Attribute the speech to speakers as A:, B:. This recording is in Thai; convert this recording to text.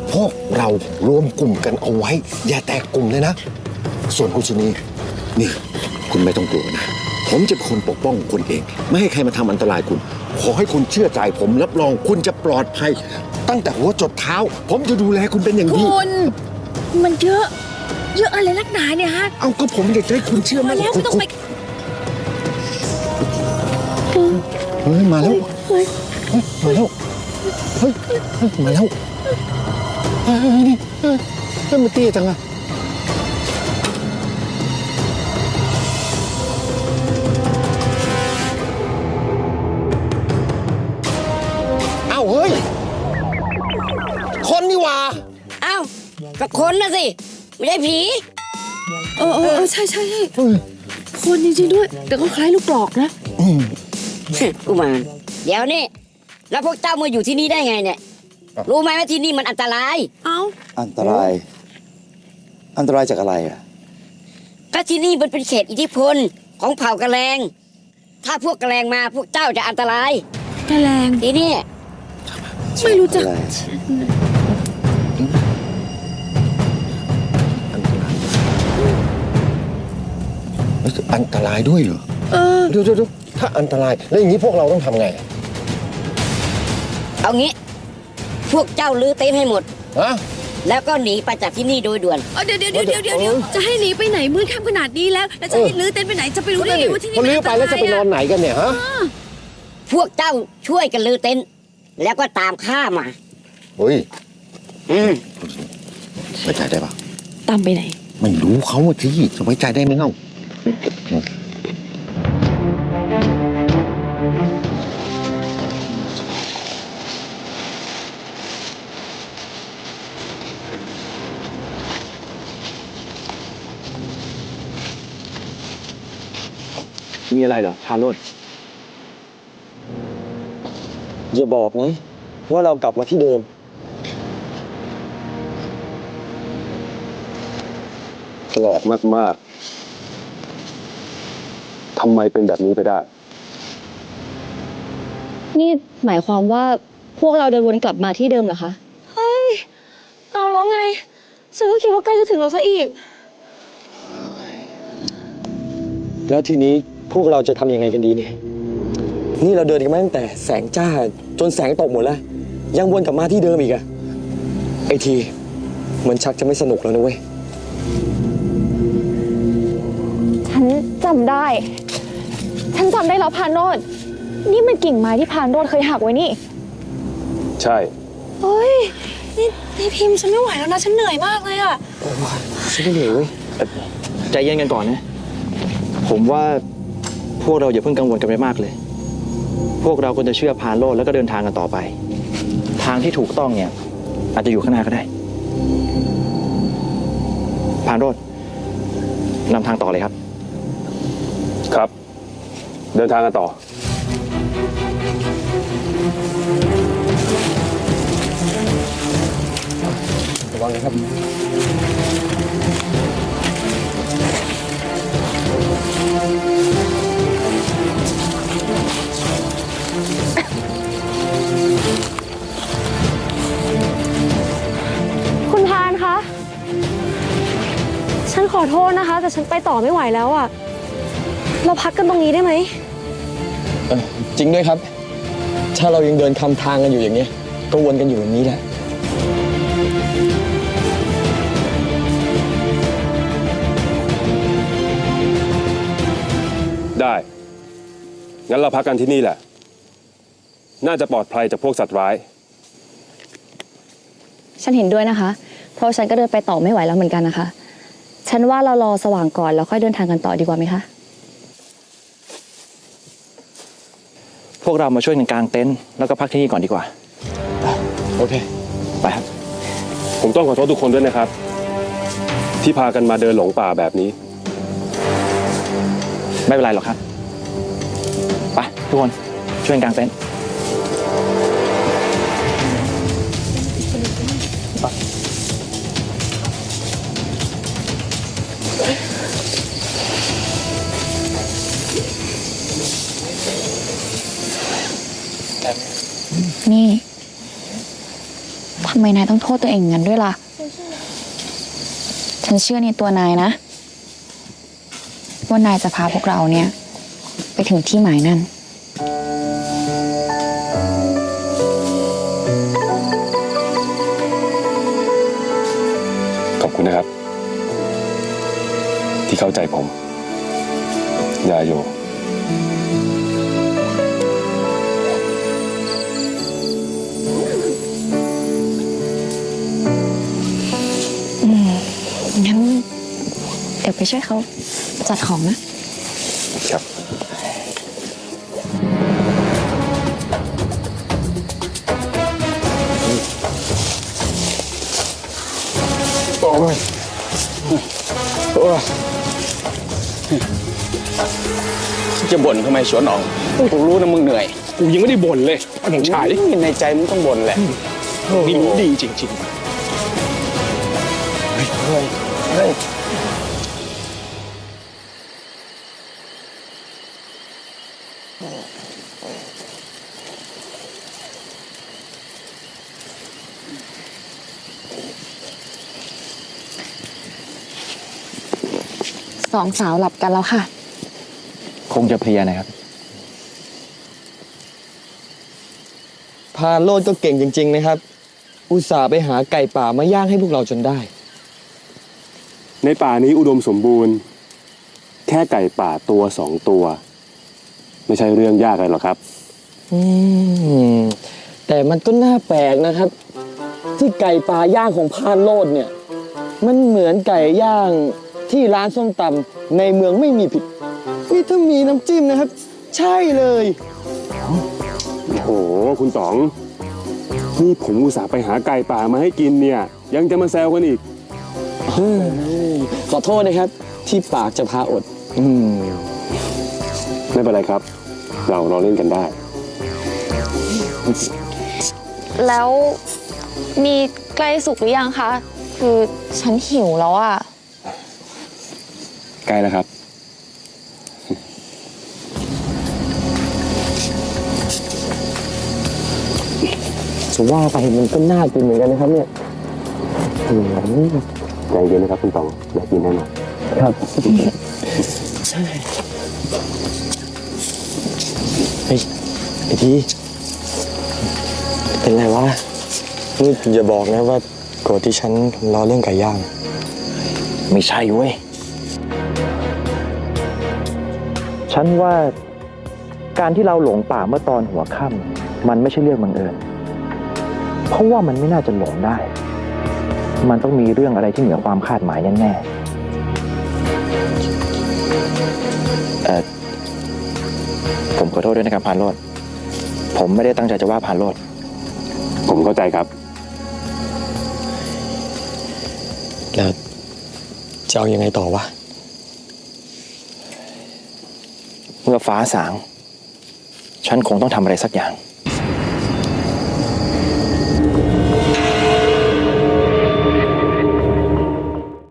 A: พวกเรารวมกลุ่มกันเอาไว้อย่าแตกกลุ่มเลยนะส่วนคุณชนีนี่คุณไม่ต้องกลัวนะผมจะเป็นคนปกป้องคุณเองไม่ให้ใครมาทำอันตรายคุณขอให้คุณเชื่อใจผมรับรองคุณจะปลอดภัยตั้งแต่หัวจดเท้าผมจะดูแลคุณเป็นอย่างดี
B: คุณมันเยอะอะไรนักหนาเนี่ยฮะ
A: เอาก็ผมอยากให้คุณเชื่อมั่น
B: แล้วไม่ต้องไป
A: เฮ้ยมาแล้วมาแล้วเฮ้ยมาแล้วนี่มันเตี้ยจังอะอ้าวเฮ้ยคนนี่หว่า
C: อ้าวก็คนนะสิไม่ใช่ผี
B: ใช่คนจริงๆด้วยแต่ก็คล้ายลูกกรอกนะ
C: กูมารเดี๋ยวนี่แล้วพวกเจ้ามาอยู่ที่นี่ได้ไงเนี่ยรู้ไหมว่าที่นี่มันอันตราย
D: อันตรายจากอะไรอ่ะ
C: ก็ที่นี่มันเป็นเขตอิทธิพลของเผ่ากะแลงถ้าพวกกะแลงมาพวกเจ้าจะอันตราย
B: กะแลง
C: ที่นี่
B: ไม่รู้จัก
A: อันตรายด้วยเหรอเดี๋ยวถ้าอันตรายแล้วอย่างนี้พวกเราต้องทำไง
C: เอางี้พวกเจ้าลื้อเต็นท์ให้หมด
A: ฮะ
C: แล้วก็หนีไปจากที่นี่โดยด่วน
B: เดี๋ยวจะให้หนีไปไหนมืดค่ำขนาดนี้แล้วจะให้ลื้อเต็นท์ไปไหนจะไปรู้ได้ไงว่าที่นี่
A: มันลื้อไปแล้วจะไปนอนไหนกันเนี่ยฮะ
C: พวกเจ้าช่วยกันลื้อเต็นท์แล้วก็ตามข้ามา
A: เฮ้ยไว้ใจได้ปะ
B: ตามไปไหน
A: ไม่รู้เขาที่จะไว้ใจได้ไหมเล่า
D: มีอะไรเหรอพาโรจน์อย่าบอกนะว่าเรากลับมาที่เดิมแปลกมากๆทำไมเป็นแบบนี้ไปได้
E: นี่หมายความว่าพวกเราเดินวนกลับมาที่เดิมเหรอคะ
B: เฮ้ยเอาแล้วไงฉันก็คิดว่าใกล้จะถึงเราซะอีก
D: แล้วทีนี้พวกเราจะทำยังไงกันดีเนี่ยนี่เราเดินกันมาตั้งแต่แสงจ้าจนแสงตกหมดแล้วยังวนกลับมาที่เดิมอีกอะไอทีมันชักจะไม่สนุกแล้วนะเว้ย
E: ฉันจำได้แล้วพานโรจน์นี่มันกิ่งไม้ที่พานโรจน์เคยหักไว้นี่
D: ใช่
B: เฮ้ยนี่พิมพ์ฉันไม่ไหวแล้วนะฉันเหนื่อยมากเลยอะ
D: ฉันก็เหนื่อยเว้ยใจเย็นกันก่อนนะผมว่าพวกเราอย่าเพิ่งกังวลกันไปมากเลยพวกเราควรจะเชื่อพานโรจน์แล้วก็เดินทางกันต่อไปทางที่ถูกต้องเนี่ยอาจจะอยู่ข้างหน้าก็ได้พานโรจน์นำทางต่อเลยครับครับเดินทางกันต่อระวังนะครับ
E: คุณพานคะฉันขอโทษนะคะแต่ฉันไปต่อไม่ไหวแล้วอะเราพักกันตรงนี้ได้ไหม
D: จริงด้วยครับถ้าเรายังเดินคำทางกันอยู่อย่างนี้ก็วนกันอยู่แบบนี้แหละ
F: ได้งั้นเราพักกันที่นี่แหละน่าจะปลอดภัยจากพวกสัตว์ร้าย
E: ฉันเห็นด้วยนะคะเพราะฉันก็เดินไปต่อไม่ไหวแล้วเหมือนกันนะคะฉันว่าเรารอสว่างก่อนแล้วค่อยเดินทางกันต่อดีกว่าไหมคะ
D: พวกเรามาช่วยกันกางเต็นท์แล้วก็พักที่นี่ก่อนดีกว่าโอเคไปครับ
F: ผมต้องขอโทษทุกคนด้วยนะครับที่พากันมาเดินหลงป่าแบบนี้
D: ไม่เป็นไรหรอกครับไปทุกคนช่วยกันกางเต็นท์
E: นี่ทำไมนายต้องโทษตัวเองอย่างนั้นด้วยล่ะ ฉันเชื่อในตัวนายนะ ว่านายจะพาพวกเราเนี่ยไปถึงที่หมายนั่น
F: ขอบคุณนะครับ ที่เข้าใจผม ยาโย
E: งั้นเดี๋ยวไปช่วยเขาจัดของนะ
F: ครับ
G: จะบ่นทำไมสวนออกกูรู้นะมึงเหนื่อย กูยังไม่ได้บ่นเลยหนุ่มชายในใจมึงต้องบ่นแหละนี่มึงดีจริงๆ
E: สองสาวหลับกันแล้วค่ะ
D: คงจะเพลียนะครับ
H: พาโลดก็เก่งจริง ๆ นะครับ อุตส่าห์ไปหาไก่ป่ามาย่างให้พวกเราจนได้
F: ในป่านี้อุดมสมบูรณ์ แค่ไก่ป่าตัว2 ตัว ไม่ใช่เรื่องยากอะไรหรอกครับ
H: แต่มันก็น่าแปลกนะครับ ที่ไก่ป่าย่างของพานโลดเนี่ย มันเหมือนไก่ย่างที่ร้านส้มตำในเมืองไม่มีผิดนี่ถ้ามีน้ำจิ้มนะครับ ใช่เลย
F: โอ้โห คุณต๋อง นี่ผมอุตส่าห์ไปหาไก่ป่ามาให้กินเนี่ย ยังจะมาแซวกันอีก
H: ขอโทษนะครับ ที่ปากจะพาอด
F: ไม่เป็นไรครับ เราเล่นกันได้
E: แล้วนี่ใกล้สุกหรือยังคะ คือฉันหิวแล้วอะ
F: ใกล้แล้วครับ
H: จะว่าไปมันก็น่ากินเหมือนกันนะครับเนี่ย
F: ใจเย็นนะครับคุณต๋องอยากกินแน่นอน
H: ครับเฮ้ยไอ้ทีเป็นไรวะนี่อย่าบอกนะว่าโกรธที่ฉันล้อเรื่องไก่ย่าง
D: ไม่ใช่เว้ย ฉันว่าการที่เราหลงป่าเมื่อตอนหัวค่ำมันไม่ใช่เรื่องบังเอิญ เพราะว่ามันไม่น่าจะหลงได้ มันต้องมีเรื่องอะไรที่เหนือความคาดหมายแน่ๆผมขอโทษด้วยนะครับพานโรดผมไม่ได้ตั้งใจจะว่าพานโรด
F: ผมเข้าใจครับ
H: แล้วจะเอายังไงต่อวะ
D: เมื่อฟ้าสาง ฉันคงต้องทำอะไรสักอย่าง